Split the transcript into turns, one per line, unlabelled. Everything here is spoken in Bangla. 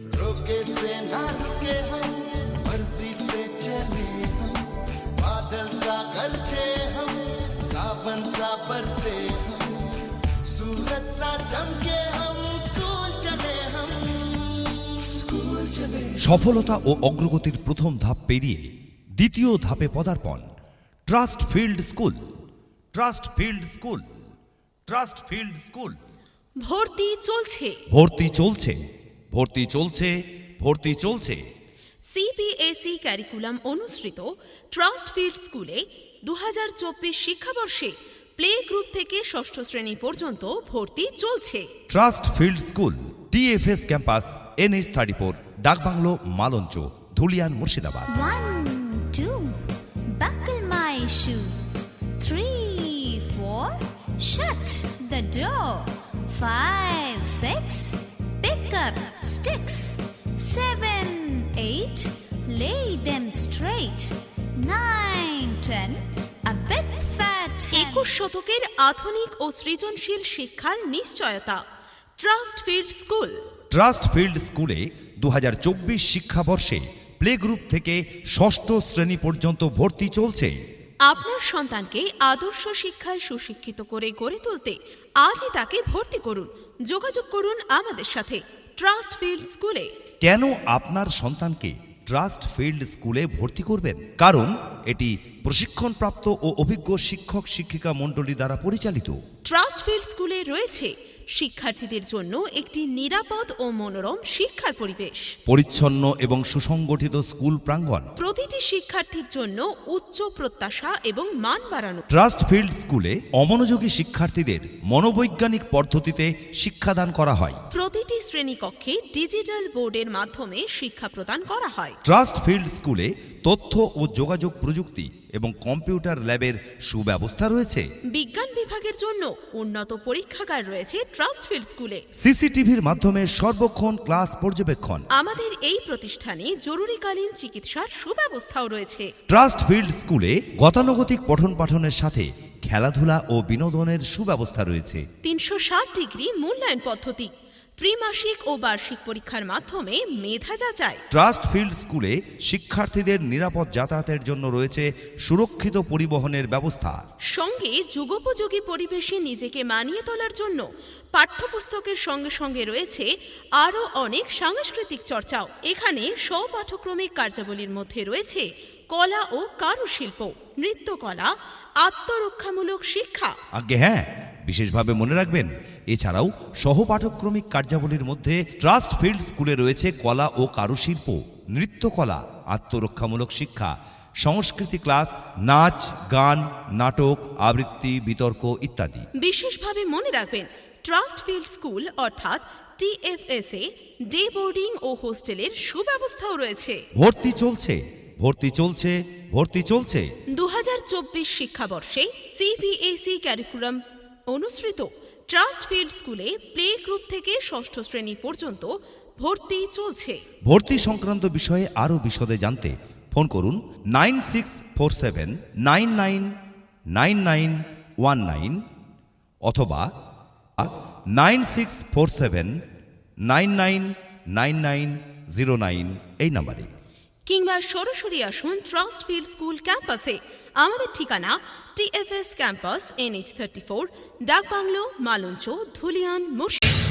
रोके से ना रुके हम, मर्जी से चले हम, बादल सा गरजे हम, सावन सा बरसे हम, सूरज सा चमके हम, स्कूल चले हम, स्कूल चले।
সফলতা ও অগ্রগতির প্রথম ধাপ পেরিয়ে দ্বিতীয় ধাপে পদার্পণ। Trust field school, trust field school, trust field school.
ভর্তি চলছে,
ভর্তি চলছে, ভর্তি চলছে, ভর্তি চলছে।
সিবিএসই ক্যারিকুলাম অনুসৃত ট্রাস্ট ফিল্ড স্কুলে 2024 শিক্ষাবর্ষে প্লে গ্রুপ থেকে ষষ্ঠ শ্রেণী পর্যন্ত ভর্তি চলছে।
Trust field school, TFS campus, NH34, Dakbungalow, Malancha, Dhulian, Murshidabad.
1, 2, buckle my shoe. 3, 4, shut the door. 5, 6, pick up sticks. 7, 8, lay them straight. 9, 10, a big fat hen.
21 শতকের আধুনিক ও সৃজনশীল শিক্ষার নিশ্চয়তা। Trust field school.
Trust field স্কুলে 2024 শিক্ষাবর্ষে প্লে গ্রুপ থেকে ষষ্ঠ শ্রেণী পর্যন্ত ভর্তি চলছে।
আপনার সন্তানকে আদর্শ শিক্ষায় সুশিক্ষিত করে গড়ে তুলতে আজই তাকে ভর্তি করুন। যোগাযোগ করুন আমাদের সাথে ট্রাস্ট ফিল্ড স্কুলে।
কেন আপনার সন্তানকে ট্রাস্ট ফিল্ড স্কুলে ভর্তি করবেন? কারণ এটি প্রশিক্ষণপ্রাপ্ত ও অভিজ্ঞ শিক্ষক শিক্ষিকা মণ্ডলী দ্বারা পরিচালিত।
ট্রাস্ট ফিল্ড স্কুলে রয়েছে শিক্ষার্থীদের জন্য একটি নিরাপদ ও মনোরম শিক্ষার পরিবেশ,
পরিচ্ছন্ন এবং সুসংগঠিত স্কুল প্রাঙ্গণ,
প্রতিটি শিক্ষার্থীর জন্য উচ্চ প্রত্যাশা এবং মান বাড়ানো।
ট্রাস্ট ফিল্ড স্কুলে অমনোযোগী শিক্ষার্থীদের মনোবৈজ্ঞানিক পদ্ধতিতে শিক্ষাদান করা হয়।
প্রতিটি শ্রেণীকক্ষে ডিজিটাল বোর্ডের মাধ্যমে শিক্ষা প্রদান করা হয়।
ট্রাস্ট ফিল্ড স্কুলে তথ্য ও যোগাযোগ প্রযুক্তি এবং কম্পিউটার ল্যাবের সুব্যবস্থা রয়েছে।
বিজ্ঞান বিভাগের জন্য উন্নত পরীক্ষাগার রয়েছে ট্রাস্ট ফিল্ড স্কুলে।
সিসিটিভির মাধ্যমে সর্বক্ষণ ক্লাস পর্যবেক্ষণ।
আমাদের এই প্রতিষ্ঠানে জরুরিকালীন চিকিৎসার সুব্যবস্থাও রয়েছে।
ট্রাস্ট ফিল্ড স্কুলে গতানুগতিক পঠন পাঠনের সাথে খেলাধুলা ও বিনোদনের সুব্যবস্থা রয়েছে।
360 ডিগ্রি মূল্যায়ন পদ্ধতি, ত্রিমাসিক ও বার্ষিক পরীক্ষার মাধ্যমে মেধা যাচাই।
ট্রাস্ট ফিল্ড স্কুলে শিক্ষার্থীদের নিরাপদ যাতায়াতের জন্য রয়েছে সুরক্ষিত পরিবহনের ব্যবস্থা।
সঙ্গে যুগোপযোগী পরিবেশে নিজেকে মানিয়ে তোলার জন্য পাঠ্যপুস্তকের সঙ্গে সঙ্গে রয়েছে আরও অনেক সাংস্কৃতিক চর্চাও। এখানে স্বপাঠক্রমিক কার্যাবলীর মধ্যে রয়েছে কলা ও কারুশিল্প, নৃত্যকলা, আত্মরক্ষামূলক শিক্ষা।
আগে হ্যাঁ, বিশেষভাবে মনে রাখবেন, এছাড়াও সহপাঠক্রমিক কার্যাবলীর মধ্যে ট্রাস্ট ফিল্ড স্কুলে রয়েছে কলা ও কারুশিল্প, নৃত্যকলা, আত্মরক্ষামূলক শিক্ষা, সংস্কৃতি ক্লাস, নাচ, গান, নাটক, আবৃত্তি, বিতর্ক ইত্যাদি।
বিশেষভাবে মনে রাখবেন, ট্রাস্ট ফিল্ড স্কুল অর্থাৎ টিএফএসএ ডে বোর্ডিং ও হোস্টেলের সুব্যবস্থাও রয়েছে।
ভর্তি চলছে, ভর্তি চলছে, ভর্তি চলছে।
2024 শিক্ষাবর্ষে সিবিএসই ক্যারিকুলাম অনুসৃত ট্রাস্ট ফিল্ড স্কুলে প্লে গ্রুপ থেকে ষষ্ঠ শ্রেণী পর্যন্ত ভর্তি চলছে।
ভর্তি সংক্রান্ত বিষয়ে আরও বিশদে জানতে ফোন করুন 9647999919 অথবা 9647999909 এই নম্বরে,
কিংবা সরাসরি আসুন ট্রাস্ট ফিল্ড স্কুল ক্যাম্পাসে। আমাদের ঠিকানা TFS campus, NH34, Dakbungalow, Malancha, Dhulian, Murshidabad.